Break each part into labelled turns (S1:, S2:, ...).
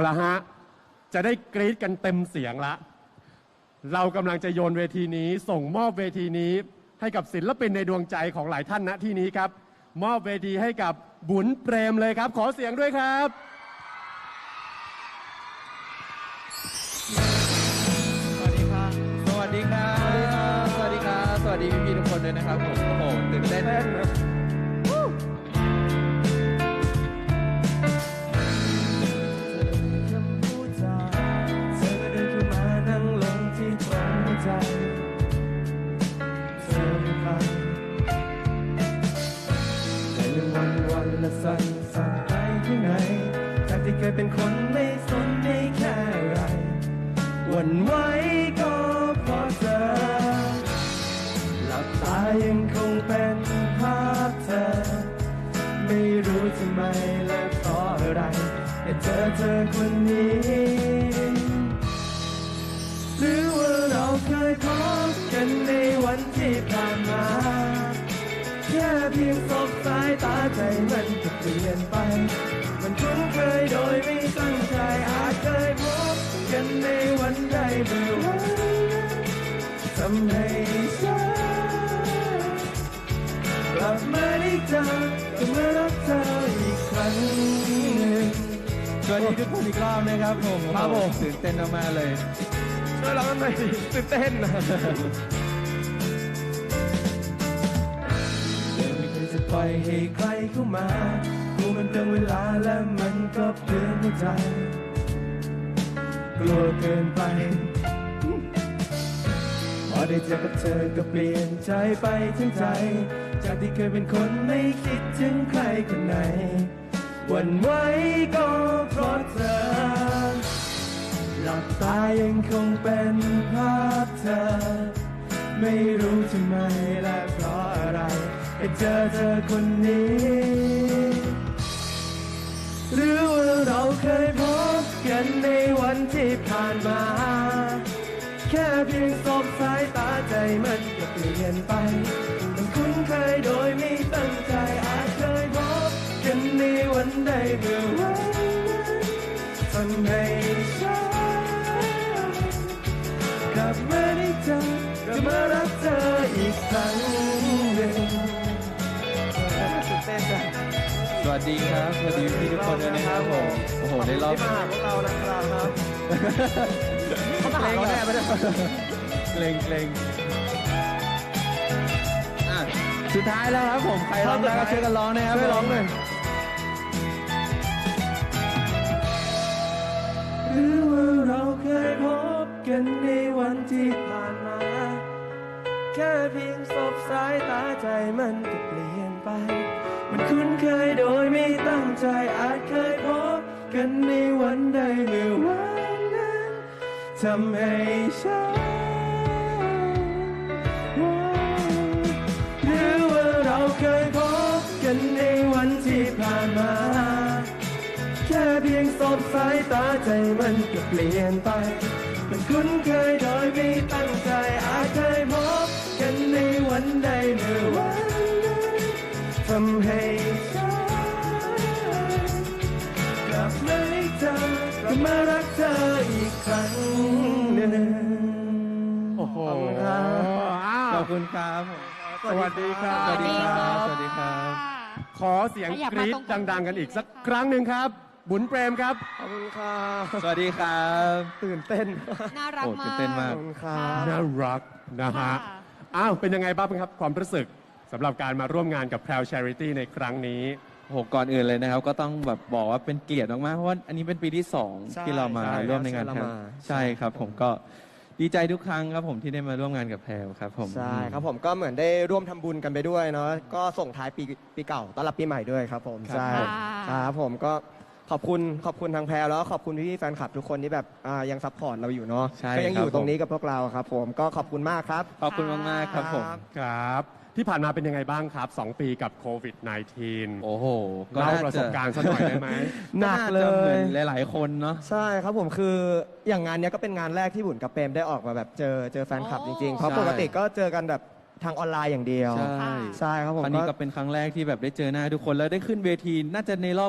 S1: ละฮะจะได้กรี๊ดกันเต็มเสียงละเรากำลังจะโยนเวทีนี้ส่งมอบเวทีนี้ให้กับศิลปินในดวงใจของหลายท่านณที่นี้ครับมอบเวทีให้กับบุญเปรมเลยครับขอเสียงด้วยครับ
S2: สวัสดีครับ สวัสดีครับ สวัสดีครับ สวัสดีพี่ๆทุกคนด้วยนะครับผม โอ้โห ตื่นเต้นนะ
S3: และสั่นสั่นไปข้างในจากที่เคยเป็นคนไม่สนไม่แค่ไรหวั่นไหวก็เพราะเธอหลับตายังคงเป็นภาพเธอไม่รู้ทำไมและเพราะอะไรแต่เธอคนนี้หรือว่าเราเคยพบกันในวันที่ผ่านมาแค่เพียงสบสายตาใจมันก็เปลี่ยนไปมันคุ้นเคยโดยไม่ตั้งใจอาจเคยพบกันในวันใดเมื่อวันทำให้ฉันกลับมาได้เจอก็เมื่อรักเธออีกครั้งหนึ่ง
S2: สวัสดีทุกคนอีกรอบนะครับผม
S3: ครับผม
S2: ตื่นเต้นมากๆเลย
S3: ช่วยเราหน่อยตื่นเต้นนะจะปล่อยให้ใครเข้ามาดูมันเปลืองเวลาและมันก็เปลืองหัวใจกลัวเกินไปพอได้เจอกับเธอก็เปลี่ยนใจไปทั้งใจจากที่เคยเป็นคนไม่คิดถึงใครคนไหนหวั่นไหวก็เพราะเธอหลับตายังคงเป็นภาพเธอไม่รู้ทำไมและเพราะอะไรให้เจอคนนี้หรือว่าเราเคยพบกันในวันที่ผ่านมาแค่เพียงสบสายตาใจมันก็เปลี่ยนไปมันคุ้นเคยโดยไม่ตั้งใจอาจเคยพบกันในวันใดเมื่อวันทำให้ฉันกลับมาได้เจอกลับมารักเธออีกครั้งหนึ่ง
S2: สวัสดีครับ สวัสดีพี่ทุกคนด้วยนะครับผม โอ้โห ในรอบ
S3: ที่มาหาพวกเรานะครับเขามาหาเราแน่ไปเลย
S2: เกรงอ่ะสุดท้ายแล้วครับผม ใครร้องได้ก็ช่วยกันร้องนะครับ
S3: ช่วยร้องหน่อยหรือว่าเราเคยพบกันในวันที่ผ่านมาแค่เพียงสบสายตาใจมันก็เปลี่ยนไปมันคุ้นเคยโดยไม่ตั้งใจอาจเคยพบกันในวันใดเมื่อวันนั้นทำให้ฉันหรือว่าเราเคยพบกันในวันที่ผ่านมาแค่เพียงสบสายตาใจมันก็เปลี่ยนไปมันคุ้นเคยโดยไม่ตั้งใจอาจเคยพบกันในวันใดเมื่อวันนั้นทำให้ฉันกลับมาได้เจอกลับมารักเธออีกครั้งหนึ่ง
S1: โอ้โห
S2: ขอบคุณครับผม
S1: สวัสดีครับ
S2: สวัสดีครับ สวัสดีครับ
S1: ขอเสียงกรี๊ดดังๆกันอีกสักครั้งหนึ่งครับบุญเปรมครับ
S3: ขอบคุณครับ
S2: สวัสดีครับ
S3: ตื่นเต้น
S4: น่ารัก
S2: โอ้
S4: มา
S2: ตื่
S4: ก
S2: นเต้นมาก
S3: ขอบคุณครับ
S1: น่ารักนะฮะ
S4: ค่ะ
S1: อ้าวเป็นยังไงบ้างครับความรู้สึกสำหรับการมาร่วมงานกับแพรว Charity ในครั้งนี้
S2: โอ้โหก่อนอื่นเลยนะครับ ก็ต้องแบบบอกว่าเป็นเกียรติมากๆ เพราะว่าอันนี้เป็นปีที่
S3: ใช่
S2: 2 ที่เรามา
S3: ใช่
S2: ร่วมในงาน
S3: ใช่
S2: แพรว
S3: เรามา
S2: ใช่ครับ ผมก็ดีใจทุกครั้งครับผมที่ได้มาร่วมงานกับแพรวครับผม
S3: ใช่ครับผมก็เหมือนได้ร่วมทำบุญกันไปด้วยเนาะก็ส่งท้ายปีเก่าต้อนรับปีใหม่ด้วยครับผมใช่
S4: ค่ะ
S3: ครับผมก็ขอบคุณทางแพรแล้วขอบคุณพี่ๆแฟนคลับทุกคนที่แบบยังซัพพอร์ตเราอยู่เนาะ
S2: ใช่
S3: ก็ยังอยู่
S2: ครับ
S3: ตรงนี้กับพวกเราครับผมก็ขอบคุณมากครับ
S2: ขอบคุณมากๆครับผม
S1: ครับ ที่ผ่านมาเป็นยังไงบ้างครับ 2 ปีกับโควิด -19
S2: โอ้โห
S1: เล่าประสบการณ์สักหน่อยได้ไหม
S3: หนักเล
S2: ก็าจะหมื
S3: ย
S2: อนหลาย ๆ คนเนาะ
S3: ใช่ครับผมคืออย่างงานเนี้ยก็เป็นงานแรกที่บุญกับเปรมได้ออกมาแบบเจอแฟนคลับจริงๆ เพราะ
S2: ใช่
S3: ปกติก็เจอกันแบบทางออนไลน์อย่างเดียว
S2: ใช่
S3: ใช่ครับผม
S2: ครั้งนี้ก็เป็นครั้งแรกที่แบบได้เจอหน้าทุกคนแล้วได้ขึ้นเวทีน่าจะในรอบ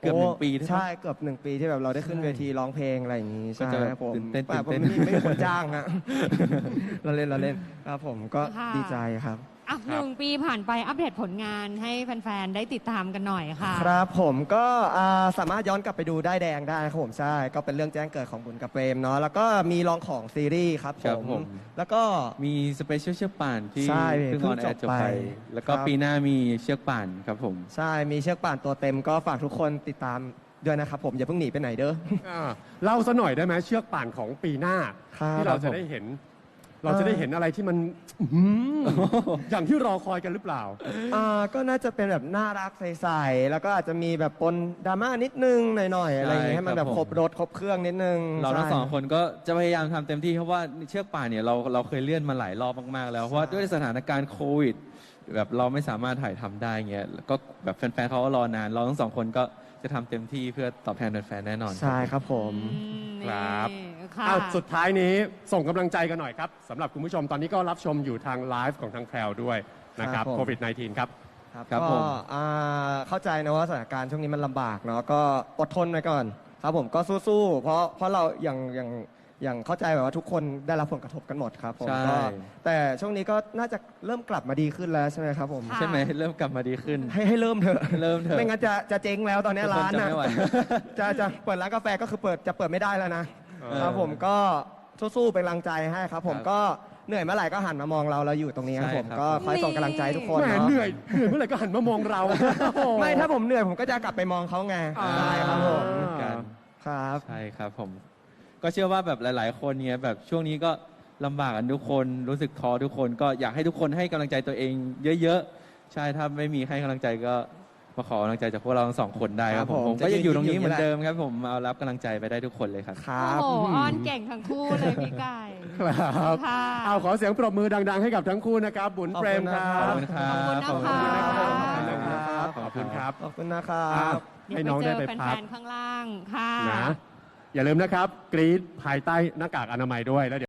S2: กือบหนึ่งปีใช่ไหม
S3: ใช่เกือบ1 ปีที่แบบเราได้ขึ้น
S2: ใช่
S3: เวทีร้องเพลงอะไรอย่างนี้
S2: ก็
S3: ใช่
S2: จะ
S3: ครับผม
S2: ตื่นเต้น
S3: แต่ผม
S2: ตื่นเต้น
S3: ไม่มีคนจ้างฮะ เราเล่นครับผมก็
S4: ค่ะ
S3: ดีใจครับ
S4: อ่ะ1 ปีผ่านไปอัปเดตผลงานให้แฟนๆ ได้ติดตามกันหน่อยค่ะ
S3: ครับผมก็สามารถย้อนกลับไปดูได้ายแดงได้ครับผมใช่ก็เป็นเรื่องแจ้งเกิดของบุญกับเปรมเนาะแล้วก็มีลองของซีรีส์ครับ
S2: ครับ
S3: ผ
S2: ผม ม
S3: แล้วก็
S2: มีสเปเชียลเชือกป่านที่
S3: ใช่
S2: เพิ่ง
S3: เพิ่
S2: อง อนแอร์จ
S3: จ
S2: บบ ไป
S3: ไป
S2: แล้วก็
S3: ครับ
S2: ปีหน้ามีเชือกป่านครับผม
S3: ใช่มีเชือกป่านตัวเต็มก็ฝากทุกคนติดตามด้วยนะครับผมอย่าเพิ่งหนีไปไหนเด้อ
S1: เล่าซะหน่อยได้ไหมเชือกป่านของปีหน้า
S3: ครับ
S1: ที่เรา
S2: ครั
S1: จะ
S2: บผม
S1: ได้เห็น เราจะได้เห็นอะไรที่มันอื้อหืออย่างที่รอคอยกันหรือเปล่า
S3: ก็น่าจะเป็นแบบน่ารักใสๆแล้วก็อาจจะมีแบบปนดราม่านิดนึงหน่อยๆอะไรอย่างเงี้ยให้มันแบบครบรถครบเครื่องนิดนึง
S2: เราทั้ง
S3: ใช่
S2: สองคนก็จะพยายามทำเต็มที่เพราะว่าเชือกป่านเนี่ยเราเคยเลื่อนมาหลายรอบมากๆแล้วเพราะว่าด้วยสถานการณ์โควิดแบบเราไม่สามารถถ่ายทำได้เงี้ยแล้วก็แบบแฟนๆเขาก็รอนานเราทั้งสองคนก็จะทำเต็มที่เพื่อตอบแทนแฟนๆแน่นอน
S3: ใช่ครับผม
S1: ครับ
S4: นี่ค่ะ
S1: สุดท้ายนี้ส่งกำลังใจกันหน่อยครับสำหรับคุณผู้ชมตอนนี้ก็รับชมอยู่ทางไลฟ์ของทางแพรวด้วยนะครับ
S3: ครับผม
S1: โควิด -19 ครับ
S3: ครับ
S2: ครับ
S3: ก็
S2: ผม
S3: เข้าใจนะว่าสถานการณ์ช่วงนี้มันลำบากเนาะก็อดทนไว้ก่อนครับผมก็สู้ๆเพราะเราอย่างเข้าใจแบบว่าทุกคนได้รับผลกระทบกันหมดครับผม
S2: ใช่
S3: ก็แต่ช่วงนี้ก็น่าจะเริ่มกลับมาดีขึ้นแล้วใช่ไหมครับผม
S4: ค่ะ
S2: ใช่ไหมเริ่มกลับมาดีขึ้น
S3: ให้เริ่มเถอะ
S2: เริ่มเถอะ
S3: ไม่งั้นจะเจ๊งแล้วตอนนี้
S2: ทุกคน
S3: ร้าน
S2: จะ
S3: นะ
S2: ไม่ไหว
S3: จะเปิดร้านกาแฟก็คือจะเปิดไม่ได้แล้วนะ
S1: เออ
S3: ครับผมก็สู้ๆเป็นกำลังใจให้ครับผม
S2: ครับ
S3: ก็เหนื่อยเมื่อไหร่ก็หันมามองเราอยู่ตรงนี้ครับ
S2: ใช่
S3: ผม
S2: ครับ
S3: ก็คอยส่งกำลังใจทุกคน
S1: แหม
S3: เนาะ
S1: เหนื่อยเมื่อไหร่ก็หันมามองเรา
S3: ไม่ถ้าผมเหนื่อยผมก็จะกลับไปมองเขาไง
S1: อ่า
S3: ใช่ครับผม
S2: เหมือนกัน
S3: ครับ
S2: ใช่ครับผม ก็เชื่อว่าแบบหลาย ๆ คนเนี่ยแบบช่วงนี้ก็ลำบากกันทุกคนรู้สึกท้อทุกคนก็อยากให้ทุกคนให้กำลังใจตัวเองเยอะ ๆ ใช่ถ้าไม่มีให้กำลังใจก็มาขอกำลังใจจากพวกเราทั้งสองคนได้ครับผม
S3: ครับผม
S2: ผมก็ยังอยู่ตรงนี้
S3: จะยืน
S2: เหมือน
S3: อยู่
S2: เดิมครับผมเอารับกำลังใจไปได้ทุกคนเลยครับ
S3: ครั
S4: โอ้
S3: บ
S4: โหอ้อนเก่งทั้งคู่เลยพี่ไก่
S1: ครับ
S4: ค่ะ
S1: เอาขอเสียงปรบมือดัง ๆ ให้กับทั้งคู่นะครับบุญเปรมครั
S2: ขอบบ คุณครับ
S4: ขอบคุณนะคะ
S1: ขอบคุณครับ
S3: ขอบคุณนะครับ
S1: อ้าวให้น้องได้ไป
S4: เดี๋ยว
S1: พัก
S4: เจอแฟนๆข้างล่างค่ะ
S1: นะอย่าลืมนะครับ กรีดภายใต้หน้ากากอนามัยด้วยแล้ว